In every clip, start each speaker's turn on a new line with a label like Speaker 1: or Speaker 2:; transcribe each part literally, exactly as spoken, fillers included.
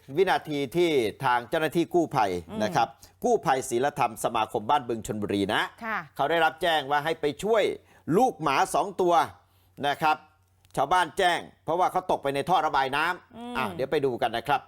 Speaker 1: วินาทีที่ทางเจ้าหน้าที่กู้ภัยนะครับกู้ภัยศีลธรรมสมาคมบ้านบึงชลบุรีนะเขาได้รับแจ้งว่าให้ไปช่วยลูกหมาสองตัวนะครับชาวบ้านแจ้งเพราะว่าเขาตกไปในท่อระบายน้ำอ่ะเดี๋ยวไปดูกันนะครับ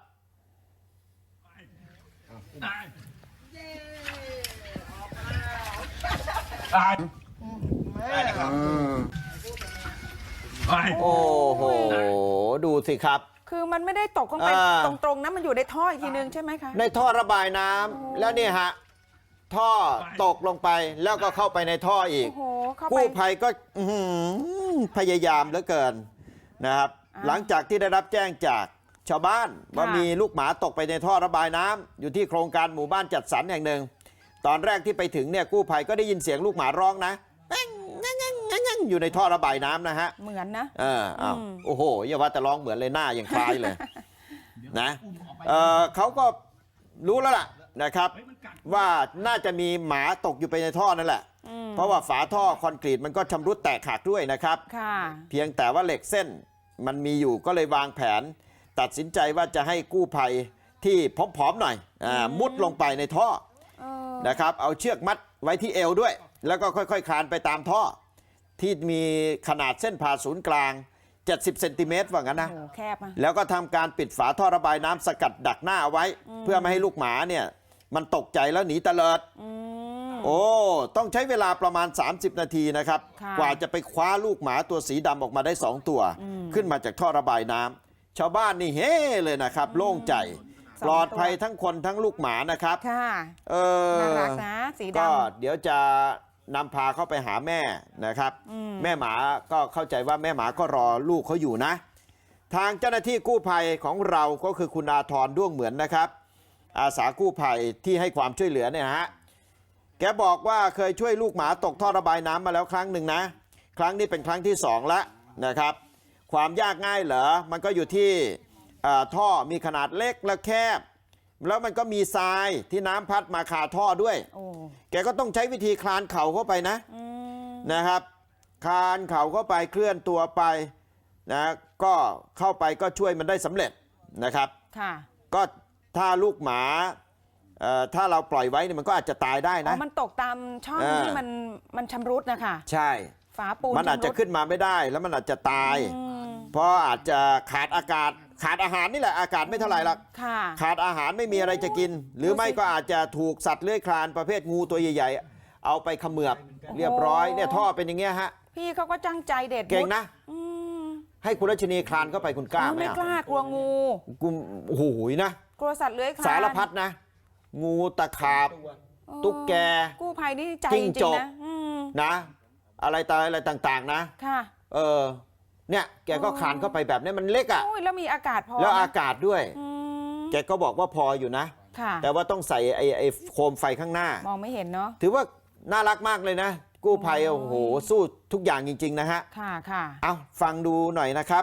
Speaker 1: โอ้โหดูสิครับ
Speaker 2: คือมันไม่ได้ตกลงไปตรงๆนะมันอยู่ในท่ออีกทีนึงใช่ไหมคะ
Speaker 1: ในท่อระบายน้ำแล้วเนี่ยฮะท่อตกลงไปแล้วก็เข้าไปในท่ออีกกู้ภัยก็พยายามเหลือเกินนะครับหลังจากที่ได้รับแจ้งจากชาวบ้านว่ามีลูกหมาตกไปในท่อระบายน้ำอยู่ที่โครงการหมู่บ้านจัดสรรแห่งหนึ่งตอนแรกที่ไปถึงเนี่ยกู้ภัยก็ได้ยินเสียงลูกหมาร้องนะอยู่ในท่อระบายน้ำนะฮะ
Speaker 2: เหมือนนะ
Speaker 1: เอออ้าวโอ้โหอย่าว่าแต่ร้องเหมือนเลยหน้ายังคล้ายเลยนะเออเขาก็รู้แล้วล่ะนะครับว่าน่าจะมีหมาตกอยู่ไปในท่อนั่นแหละเพราะว่าฝาท่อคอนกรีตมันก็ชำรุดแตกหักด้วยนะครับเพียงแต่ว่าเหล็กเส้นมันมีอยู่ก็เลยวางแผนตัดสินใจว่าจะให้กู้ภัยที่ผอมๆหน่อยอ่ามุดลงไปในท่อนะครับเอาเชือกมัดไว้ที่เอวด้วยแล้วก็ค่อยๆคลานไปตามท่อที่มีขนาดเส้นผ่าศูนย์กลางเจ็ดสิบเซนติเมตรว่างั้นนะ
Speaker 2: แคบนะ
Speaker 1: แล้วก็ทำการปิดฝาท่อระบายน้ำสกัดดักหน้าเอาไว้เพื่อไม่ให้ลูกหมาเนี่ยมันตกใจแล้วหนีตะเลิดโอ้ต้องใช้เวลาประมาณสามสิบนาทีนะครับกว่าจะไปคว้าลูกหมาตัวสีดำออกมาได้สองตัวขึ้นมาจากท่อระบายน้ำชาวบ้านนี่เฮ้เลยนะครับโล่งใจปลอดภัยทั้งคนทั้งลูกหมานะครับเออน่ารักนะสีดำก็เดี๋ยวจะนำพาเข้าไปหาแม่นะครับแม่หมาก็เข้าใจว่าแม่หมาก็รอลูกเขาอยู่นะทางเจ้าหน้าที่กู้ภัยของเราก็คือคุณอาธรด้วงเหมือนนะครับอาสากู้ภัยที่ให้ความช่วยเหลือเนี่ยฮะแกบอกว่าเคยช่วยลูกหมาตกท่อระบายน้ำมาแล้วครั้งหนึ่งนะครั้งนี้เป็นครั้งที่สองแล้วนะครับความยากง่ายเหรอมันก็อยู่ที่ท่อมีขนาดเล็กและแคบแล้วมันก็มีทรายที่น้ำพัดมาคาท่อด้วยแกก็ต้องใช้วิธีคลานเข่าเข้าไปนะนะครับคลานเข่าเข้าไปเคลื่อนตัวไปนะก็เข้าไปก็ช่วยมันได้สำเร็จนะครับก็ถ้าลูกหมาถ้าเราปล่อยไว้เนี่ยมันก็อาจจะตายได้นะ
Speaker 2: มันตกตามช่องที่มันมันชำรุดนะคะ
Speaker 1: ใช่
Speaker 2: ฝาปูน
Speaker 1: มันอาจจะขึ้นมาไม่ได้แล้วมันอาจจะตายเพราะอาจจะขาดอากาศขาดอาหารนี่แหละอากาศไม่เท่าไหร่หรอกขาดอาหารไม่มีอะไรจะกินหรือไม่ก็อาจจะถูกสัตว์เลื้อยคลานประเภทงูตัวใหญ่ๆเอาไปเขมือบเรียบร้อยเนี่ยท่อเป็นอย่างเงี้ยฮะ
Speaker 2: พี่เขาก็จังใจเด็ด
Speaker 1: เก่งนะให้คุณรัชนีคลานเข้าไปคุณกล้าไหม
Speaker 2: ไม่กล้ากลัวงู
Speaker 1: กูโอ้โหนะ
Speaker 2: กลัวสัตว์เลื้อยคลาน
Speaker 1: สารพัดนะงูตะขาบตุ๊กแก
Speaker 2: กู้ภัยนี่ใจจริงนะ
Speaker 1: นะอะไรต่ออะไรต่างๆนะค่ะเออเนี่ยแกก็คลานเข้าไปแบบนี้มันเล็กอ่ะ
Speaker 2: แล้วมีอากาศพอ
Speaker 1: แล้วอากาศด้วยแกก็บอกว่าพออยู่นะแต่ว่าต้องใส่ไอ้ไอ้โคมไฟข้างหน้าม
Speaker 2: องไม่เห็นเนาะ
Speaker 1: ถือว่าน่ารักมากเลยนะกู้ภัยโอ้โหสู้ทุกอย่างจริงๆนะฮะ
Speaker 2: ค่ะค่ะ
Speaker 1: เอาฟังดูหน่อยนะครับ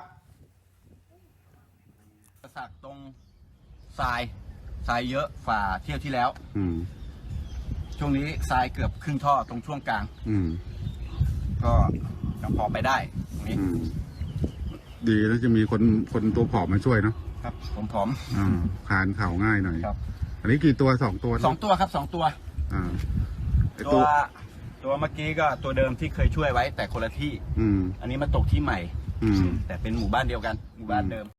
Speaker 3: สักตรงทรายทรายเยอะฝ่าเที่ยวที่แล้วช่วงนี้ทรายเกือบครึ่งท่อตรงช่วงกลางก็ยังพอไปได้ตรงนี้
Speaker 4: ดีแล้วจะมีคนคนตัวผอมมาช่วยเนาะ
Speaker 3: ครับผมผอม
Speaker 4: อ่าคลานเข่าง่ายหน่อยครับอันนี้กี่ตัวสองตัว
Speaker 3: สองตัวครับสองตัวอ่าตัวตัวเมื่อกี้ก็ตัวเดิมที่เคยช่วยไว้แต่คนละที่ อืมอันนี้มาตกที่ใหม่ อืมแต่เป็นหมู่บ้านเดียวกันหมู่บ้านเดิม